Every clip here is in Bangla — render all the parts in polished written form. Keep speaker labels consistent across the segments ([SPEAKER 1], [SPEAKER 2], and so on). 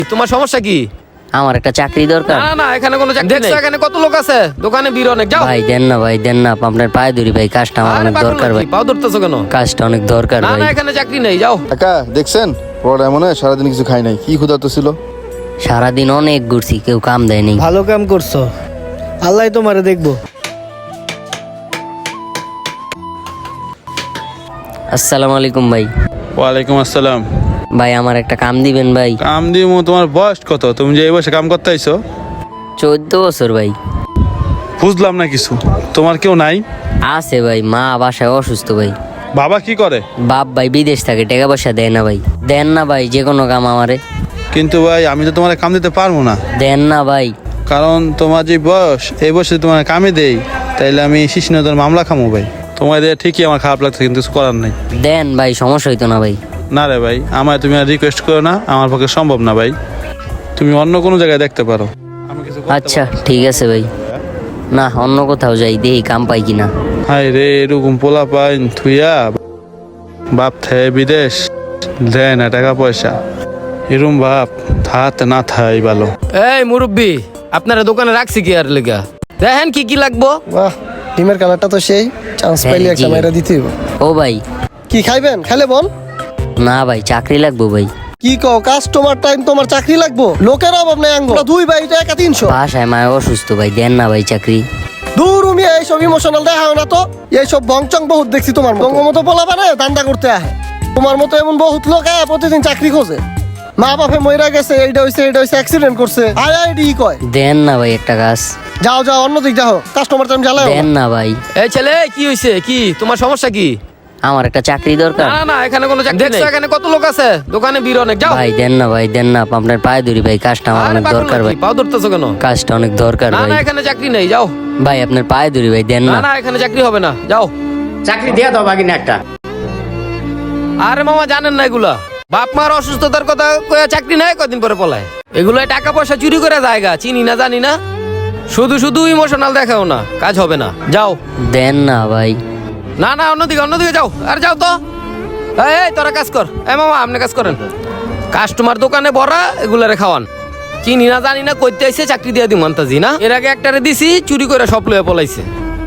[SPEAKER 1] তোমার সমস্যা কি?
[SPEAKER 2] আমার একটা চাকরি দরকার।
[SPEAKER 1] না না, এখানে কোনো চাকরি নেই। দেখছো এখানে কত লোক আছে, দোকানে ভিড় অনেক। যাও
[SPEAKER 2] ভাই দেন না, ভাই দেন না, আপনার পায়ে ধরি ভাই, কাজটা আমার
[SPEAKER 1] আরে
[SPEAKER 2] অনেক
[SPEAKER 1] পাগল
[SPEAKER 2] দরকার ভাই,
[SPEAKER 1] নাকি? পাও ধরতেছো কেন?
[SPEAKER 2] কাজটা অনেক দরকার
[SPEAKER 1] না
[SPEAKER 2] ভাই।
[SPEAKER 1] না, এখানে চাকরি নেই, যাও।
[SPEAKER 3] কাকা দেখছেন পোলাটা এমন হয় সারাদিন কিছু খাই নাই, কি ক্ষুধার্ত ছিল।
[SPEAKER 2] সারাদিন অনেক ঘুরছি, কেউ কাম দেয়নি।
[SPEAKER 4] ভালো কাম করছো, আল্লাহ তোমারে দেখবো।
[SPEAKER 2] আসসালামু আলাইকুম ভাই।
[SPEAKER 5] ওয়ালাইকুম আসসালাম।
[SPEAKER 2] ভাই আমার একটা কাম দিবেন ভাই।
[SPEAKER 5] কাম দিমু? তোমার বয়স কত? তুমি যে এই বয়সে কাম করতে আইছো?
[SPEAKER 2] 14 বছর ভাই।
[SPEAKER 5] বুঝলাম না কিছু। তোমার কেউ নাই?
[SPEAKER 2] আছে ভাই, মা বাসায় অসুস্থ ভাই।
[SPEAKER 5] বাবা কি করে?
[SPEAKER 2] বাপ ভাই বিদেশ থাকে, টাকা পয়সা দেয় না ভাই। দেন না ভাই, যে কোনো কাম আমারে
[SPEAKER 5] কিন্তু ভাই আমি তো তোমার কাম দিতে পারবো না,
[SPEAKER 2] দেন না ভাই।
[SPEAKER 5] কারণ তোমার যে বয়স, এই বয়সে তোমার কামে দেই তাইলে আমি শিশুনদের মামলা খামো ভাই। তোমার দিয়ে ঠিকই আমার খারাপ লাগছে, কিন্তু কিছু করার নাই।
[SPEAKER 2] দেন ভাই, সমস্যা হইতো না ভাই।
[SPEAKER 5] না রে ভাই, আমায় তুমি আর রিকোয়েস্ট করো না, আমার পক্ষে সম্ভব না ভাই। তুমি অন্য কোনো জায়গায় দেখতে পারো। আমি কিছু করতে
[SPEAKER 2] আচ্ছা
[SPEAKER 5] পারবো না।
[SPEAKER 2] ঠিক আছে ভাই, না অন্য কোথাও যাই, দেখি কাম পাই কিনা।
[SPEAKER 5] হাই রে, এরকম পোলা পাইন থুইয়া বাপ থাকে বিদেশ, দেয় না টাকা পয়সা। এরম বাপ হাতে না থাই ভালো।
[SPEAKER 1] এই মুরব্বি, আপনারা দোকানে রাখছি কি আর লেগা? দেখেন কি কি লাগবো।
[SPEAKER 4] বাহ, ডিমের কালারটা তো সেই, চান্স পাইলে
[SPEAKER 2] হ্যাঁ,
[SPEAKER 4] একটা
[SPEAKER 2] জি।
[SPEAKER 4] মাইরা দিতে হইব।
[SPEAKER 2] ও ভাই,
[SPEAKER 4] কি খাইবেন? খাইলে বল।
[SPEAKER 2] না ভাই চাকরি লাগবো ভাই।
[SPEAKER 4] কি কও, কাস্টমার টাইম তোমার চাকরি লাগবো? লোকের অভাব নাই আঙ্গ, দুই ভাই এটা একা 300।
[SPEAKER 2] বাসায় মায় অসুস্থ ভাই, দেন না ভাই চাকরি।
[SPEAKER 4] দূর উমি, এইসব ইমোশনাল দেখাও না তো। এইসব বংচং বহুত দেখছি তোমার মতো পোলা বানায় দান্দা করতে আহে। তোমার মতো এমন বহুত লোক আয় প্রতিদিন চাকরি খোঁজে। মা বাপে মইরা গেছে, এইটা হইছে অ্যাক্সিডেন্ট করছে, আইআইডি কয়।
[SPEAKER 2] দেন না ভাই একটা কাজ,
[SPEAKER 4] যাও যাও অন্য দিক যাও, কাস্টমার টাইম জ্বালাও
[SPEAKER 2] দেন না ভাই।
[SPEAKER 1] এই ছেলে, কি হইছে? কি তোমার সমস্যা কি?
[SPEAKER 2] আমার একটা চাকরি দরকার।
[SPEAKER 1] না না, এখানে কোনো চাকরি নেই। দেখছো এখানে কত লোক আছে, দোকানে ভিড় অনেক। যাও।
[SPEAKER 2] ভাই দেন না, ভাই দেন না, আপনার পায়ে ধরি ভাই, কাজটা আমার
[SPEAKER 1] আরে
[SPEAKER 2] অনেক
[SPEAKER 1] পাগল
[SPEAKER 2] দরকার ভাই,
[SPEAKER 1] নাকি? পাও ধরতেছো কেন?
[SPEAKER 2] কাজটা অনেক দরকার
[SPEAKER 1] না
[SPEAKER 2] ভাই।
[SPEAKER 1] না, এখানে চাকরি নেই, যাও।
[SPEAKER 2] ভাই আপনার পায়ে ধরি ভাই, দেন
[SPEAKER 1] না
[SPEAKER 2] না।
[SPEAKER 1] না, এখানে চাকরি হবে না, যাও।
[SPEAKER 6] চাকরি দিয়ে দাও বাগিনা একটা।
[SPEAKER 1] আরে মামা জানেন না এগুলা, বাপ মার অসুস্থতার কথা কয়ে চাকরি নেয়, কদিন পরে পলায়। এগুলো টাকা পয়সা চুরি করে জায়গা, চিনি না জানি না, শুধু শুধু ইমোশনাল দেখাও না, কাজ হবে না, যাও।
[SPEAKER 2] দেন না ভাই।
[SPEAKER 1] না না, অন্যদিকে যাও, আর যাও তো। এই তোরা কাজ কর। এই মামা আপনি কাজ করেন। কাস্টমার দোকানে ভরা, এগুলারে খাওয়ান। চিনি না জানি না কইতে আইছে, চাকরি দিয়ে দিম আন্তাজি না। এর আগে একটারে দিছি, চুরি করে সব লয়ে পলাইছে।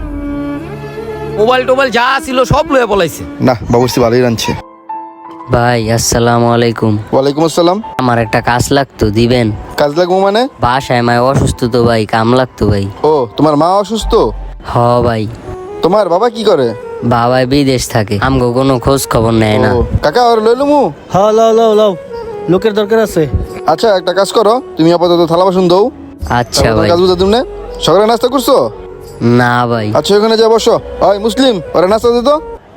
[SPEAKER 1] মোবাইল টোবাইল যা ছিল সব লয়ে পলাইছে।
[SPEAKER 3] না বাবুর্চি ভালোই রাঁধছে।
[SPEAKER 2] ভাই আসসালামু আলাইকুম।
[SPEAKER 3] ওয়ালাইকুম আসসালাম।
[SPEAKER 2] আমার একটা কাজ লাগতো, দিবেন?
[SPEAKER 3] কাজ লাগবো মানে?
[SPEAKER 2] বাসায় মায় অসুস্থ তো ভাই, কাম লাগতো ভাই।
[SPEAKER 3] ও তোমার মা অসুস্থ?
[SPEAKER 2] হ ভাই।
[SPEAKER 3] তোমার বাবা কি করে?
[SPEAKER 2] বাবাই বিদেশ থাকে, আমগো কোনো খোঁজ খবর নেয় না।
[SPEAKER 3] ও কাকা ওর লইলুমু।
[SPEAKER 4] হ্যাঁ লাও লাও লাও, লোকের দরকার আছে।
[SPEAKER 3] আচ্ছা একটা কাজ করো, তুমি আপাতত থালা বাসন দাও।
[SPEAKER 2] আচ্ছা ভাই।
[SPEAKER 3] কাজ বুঝা তুমি সকালে নাস্তা করছো?
[SPEAKER 2] না ভাই,
[SPEAKER 3] আচ্ছা ওখানে যা বসো। ওই মুসলিম, ওরা নাস্তা দিত।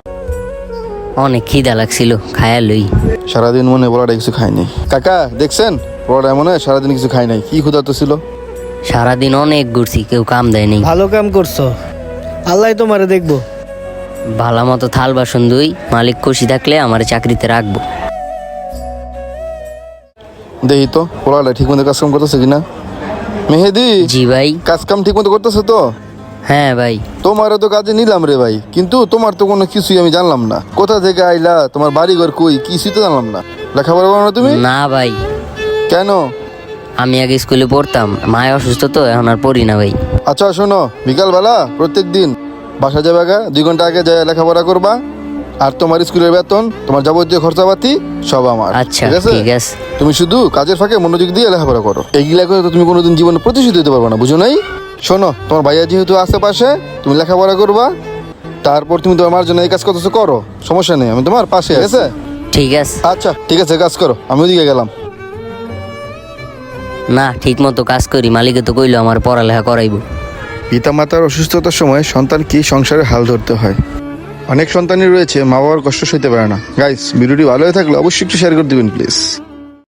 [SPEAKER 2] অনেক খিদা লাগছিল, খায়া লই।
[SPEAKER 3] সারাদিন মনে বলাটা কিছু খায়নি। কাকা দেখছেন পোলাটা এমন হয় সারাদিন কিছু খাই নাই, কি ক্ষুধার্ত ছিল।
[SPEAKER 2] সারাদিন অনেক ঘুরছি, কেউ কাম দেয়নি।
[SPEAKER 4] ভালো কাম করছো, আল্লাহ তোমারে দেখবো।
[SPEAKER 2] ভালো মতো থাল বাসন দুই, মালিক খুশি থাকলে আমার চাকরিতে রাখবো।
[SPEAKER 3] দেখি তো পোলাটা ঠিক মতো কাজ কাম করতেছে কিনা। মেহেদি,
[SPEAKER 2] জি ভাই।
[SPEAKER 3] কাজ কাম ঠিক মতো করতেছে তো?
[SPEAKER 2] হ্যাঁ ভাই।
[SPEAKER 3] তোমারও তো কাজে নিলাম রে ভাই, কিন্তু তোমার তো কোনো কিছুই আমি জানলাম না। কোথা থেকে আইলা, তোমার বাড়ি ঘর কই, কিছুই তো জানলাম না। লেখাপড়া করো না তুমি?
[SPEAKER 2] না ভাই,
[SPEAKER 3] কেন?
[SPEAKER 2] আমি আগে স্কুলে পড়তাম, মায় অসুস্থ তো, এখন আর পড়ি না ভাই।
[SPEAKER 3] আচ্ছা শোনো, বিকালবেলা প্রত্যেক দিন বাসা যাবে আগে 2 ঘন্টা আগে যায় লেখাপড়া করবা। আর তোমার স্কুলের বেতন, তোমার যাবতীয় খরচাপাতি সব আমার।
[SPEAKER 2] আচ্ছা ঠিক আছে।
[SPEAKER 3] তুমি শুধু কাজের ফাঁকে মনোযোগ দিয়ে লেখাপড়া করো। এইগুলা করে তো তুমি কোনোদিন জীবনে প্রতিষ্ঠিত হতে পারবে না, বুঝো নাই? শোনো, তোমার ভাইয়া যেহেতু আশেপাশে, তুমি লেখাপড়া করবা, তারপর তুমি তোমার জন্য এই কাজ করতেছো, করো, সমস্যা নেই, আমি তোমার পাশে আছে।
[SPEAKER 2] ঠিক আছে।
[SPEAKER 3] আচ্ছা ঠিক আছে, কাজ করো, আমি ওদিকে গেলাম।
[SPEAKER 2] না ঠিক মতো কাজ করি, মালিকে তো কইলো আমার পড়ালেখা করাইবো।
[SPEAKER 3] পিতামাতার অসুস্থতার সময় সন্তানকে সংসারে হাল ধরতে হয়। অনেক সন্তানই রয়েছে মা বাবার কষ্ট সইতে পারে না। গাইস ভিডিওটি ভালো হয়ে থাকলে অবশ্যই একটু শেয়ার করে দিবেন প্লিজ।